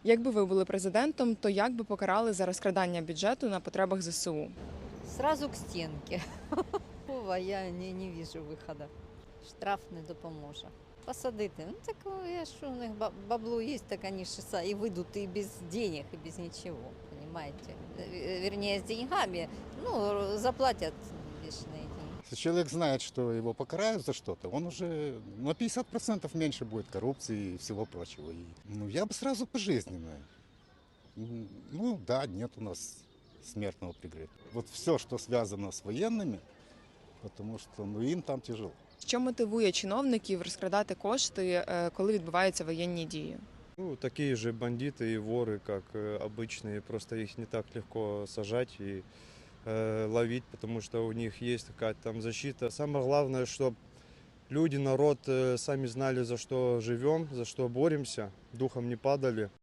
Якби ви були президентом, то як би покарали за розкрадання бюджету на потребах ЗСУ? Сразу к стенке. Вова, я не вижу виходу. Штраф не допоможе. Посадити. Ну так що у них бабло є, так вони ж і вийдуть і без денег, і без нічого. Понимаете? Вернее, с деньгами, ну, заплатят лишние деньги. Если человек знает, что его покарают за что-то, он уже на 50% меньше будет коррупции и всего прочего. Я бы сразу пожизненное. Ну да, нет у нас смертного приговора. Вот все, что связано с военными, потому что им там тяжело. Що мотивує чиновників розкрадати кошти, коли відбуваються воєнні дії? Ну, такие же бандиты и воры, как обычные, просто их не так легко сажать и ловить, потому что у них есть какая-то там защита. Самое главное, чтобы люди, народ сами знали, за что живем, за что боремся, духом не падали.